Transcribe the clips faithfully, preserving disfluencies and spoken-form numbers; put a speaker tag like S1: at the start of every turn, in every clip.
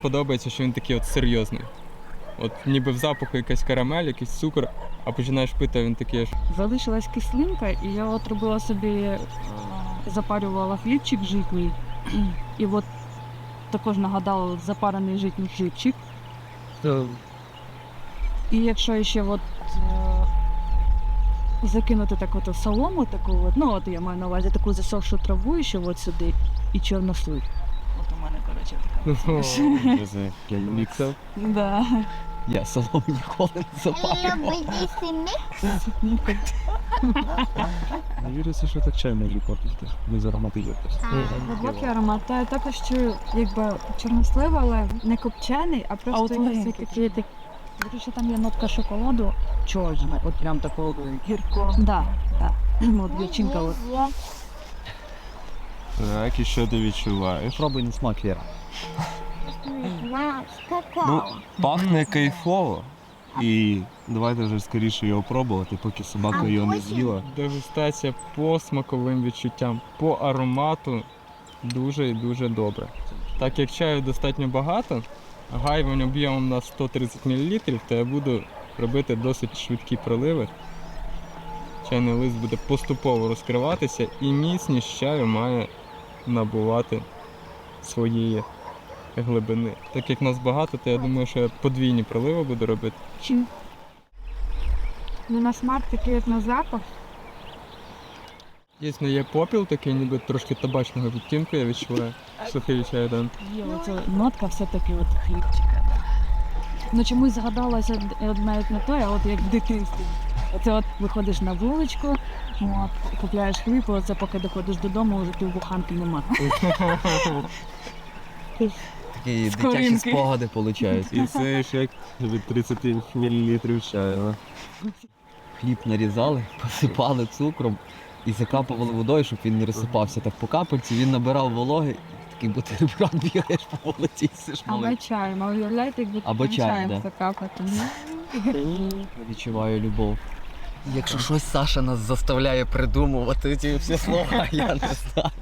S1: Подобається, що він такий от серйозний. От ніби в запаху якась карамель, якийсь цукор, а починаєш пити, а він такий аж...
S2: Залишилась кислинка, і я от робила собі, е, запарювала хлібчик житній. І от також нагадала от запарений житній хлібчик. І якщо ще от, е, закинути так от солому, таку от, ну от я маю на увазі таку засохшу траву ще от сюди, і чорнослив. От у мене, коротше, така.
S1: Міксав.
S2: Да.
S3: Я солому ніколи не запалював.
S4: Не віриться, що так чай може попити, без аромату якось.
S5: Глибокий аромат. Та я також чую, якби чорнослив, але не копчений, а
S2: А
S5: просто
S2: от
S5: якийсь
S2: легенький.
S5: такий такий.
S2: До речі, там є нотка шоколаду чорна, от прям такого гіркого. Да, да. От дівчинка от.
S6: Так, і що ти відчуваєш?
S3: Пробуй на смак, Віра.
S6: Ну, пахне кайфово. І давайте вже скоріше його пробувати, поки собака його не з'їла.
S1: Дегустація по смаковим відчуттям, по аромату дуже і дуже добре. Так як чаю достатньо багато, гайвань об'ємом на сто тридцять мілілітрів, то я буду робити досить швидкі проливи. Чайний лист буде поступово розкриватися і міцність чаю має набувати своєї глибини. Так як нас багато, то я думаю, що я подвійні проливи буду робити.
S5: Ну, на смак такий, як на запах.
S1: Дійсно є попіл такий, ніби трошки табачного відтінку, я відчуваю. Сухий чай, да.
S2: Є оця нотка все-таки от хлібчика. Да. Ну чомусь згадалося от навіть не то, а от як в дитинстві. Оце от виходиш на вуличку, от, купляєш хліб, і оце поки доходиш додому, вже півбуханки нема.
S3: Такі
S2: З
S3: дитячі
S2: коринки.
S3: спогади виходять.
S6: І це ж як від тридцять мілілітрів чаю.
S3: Хліб нарізали, посипали цукром і закапували водою, щоб він не розсипався так по капельці. Він набирав вологи, такий бутерброд бігаєш по вулиці і сиш
S5: Або
S3: малий.
S5: чаєм, а уявляєте, якби
S3: Або
S5: таким
S3: чай,
S5: чаєм
S3: да.
S5: закапати.
S3: Відчуваю любов. Якщо щось Саша нас заставляє придумувати ці всі слова, я не знаю.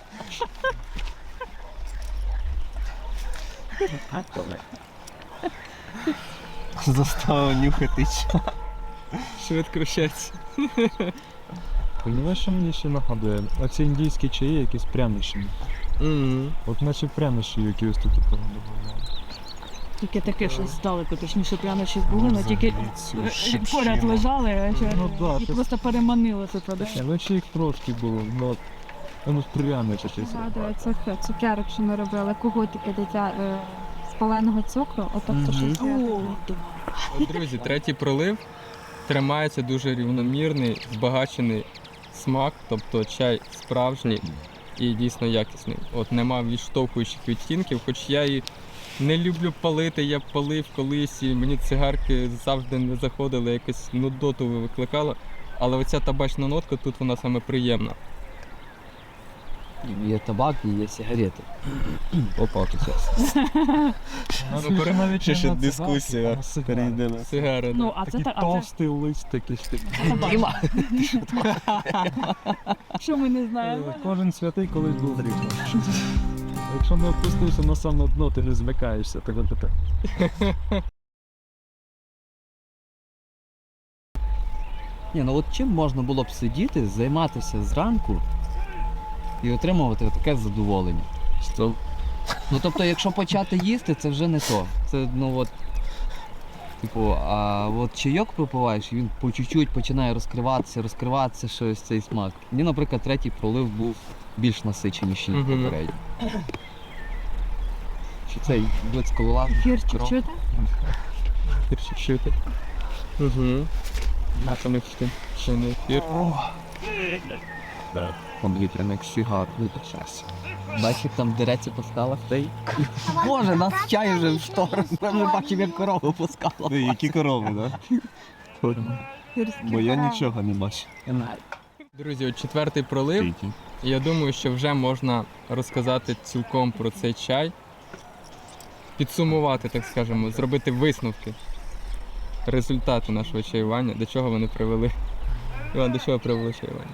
S6: Заставив нюхати чай.
S1: Швидко вчаться.
S4: Понимаєш, що мені ще нагадує? Оці індійські чаї якісь прянощі.
S1: Мгм.
S4: От наче прянощі, які ось тут добавляли.
S2: Тільки таке щось здалеку, точніше прянощі були, але тільки е, поряд лежали, а ще
S4: Ну да,
S2: їх
S4: це-
S2: просто переманили це туди.
S4: Ні, ну ще їх трошки було, ну, воно пряне щось.
S5: Згадую цих цукерок, що ми робили, кугутики дитя е, з паленого цукру, отак то
S1: Мгм.
S5: щось.
S2: О,
S1: От, друзі, третій пролив тримається дуже рівномірний, збагачений смак, тобто чай справжній і дійсно якісний. От нема відштовхуючих відтінків, хоч я і не люблю палити, я палив колись, і мені цигарки завжди не заходили, якось нудоту викликало. Але оця табачна нотка тут вона саме приємна.
S3: Є табак і є сигарети. Опа, тут зараз.
S1: Ну, пере-
S4: навіть
S6: Ще
S4: не
S6: ще
S4: на
S6: дискусія
S4: цигарки, а на
S6: перейде на
S1: Сигари.
S2: Ну,
S1: да.
S2: а це
S4: Такий
S2: так, а це
S4: товстий лист такий.
S3: Діма,
S2: що ми не знаємо.
S4: Кожен святий колись був дрібний. Якщо не опустився на саме дно, ти не змикаєшся, так от тепер.
S3: Ні, ну от чим можна було б сидіти, займатися зранку і отримувати таке задоволення?
S6: Що?
S3: Ну тобто, якщо почати їсти, це вже не то. Це ну от. Типу, а от чайок випиваєш, і він по чуть-чуть починає розкриватися, розкриватися щось цей смак. Мені, наприклад, третій пролив був більш насиченіший, ніж
S1: Мгм.
S3: попередній. Чи цей блиц колола?
S5: Гірчик чути?
S1: Гірчик чути. Угу. А там їх ще ще не ефір.
S3: Повітряник сигар, вибачайся. Бачиш, як там дереться по скалах, та й... Боже, нас чай вже в сторону, ми вже бачимо, як корову по скалах.
S6: Ти, які корови, так?
S5: Гірські
S6: Бо я
S5: дерева.
S6: нічого не бачу.
S1: Друзі, от четвертий пролив.
S6: Тільки.
S1: І я думаю, що вже можна розказати цілком про цей чай, підсумувати, так скажемо, зробити висновки, результати нашого чаювання, до чого вони привели. Іван, до чого привело чаювання?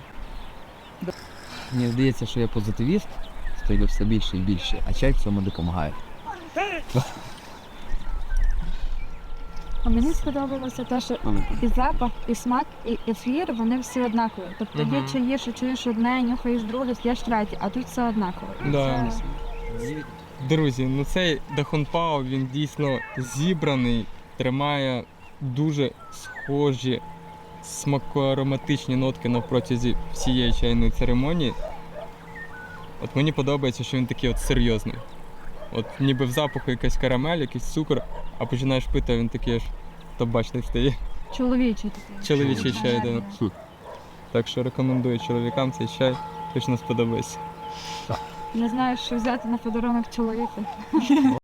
S3: Мені здається, що я позитивіст, стаю все більше і більше, а чай в цьому допомагає.
S5: А мені сподобалося те, що і запах, і смак, і ефір, вони всі однакові. Тобто є
S1: Мгм.
S5: чаї, що чуєш одне, нюхаєш друге, п'єш третє, а тут все однаково. І
S1: Да.
S5: це-
S1: Друзі, ну цей Дахунпао, він дійсно зібраний, тримає дуже схожі смакоароматичні нотки на протязі всієї чайної церемонії. От мені подобається, що він такий от серйозний. От ніби в запаху якась карамель, якийсь цукор, а починаєш пити, а він такий аж табачний стає.
S5: Чоловічий такий.
S1: Чоловічий чай,
S5: Гарний.
S1: да. Так що рекомендую чоловікам цей чай, точно сподобається.
S5: Не знаю, що взяти на подарунок чоловіку.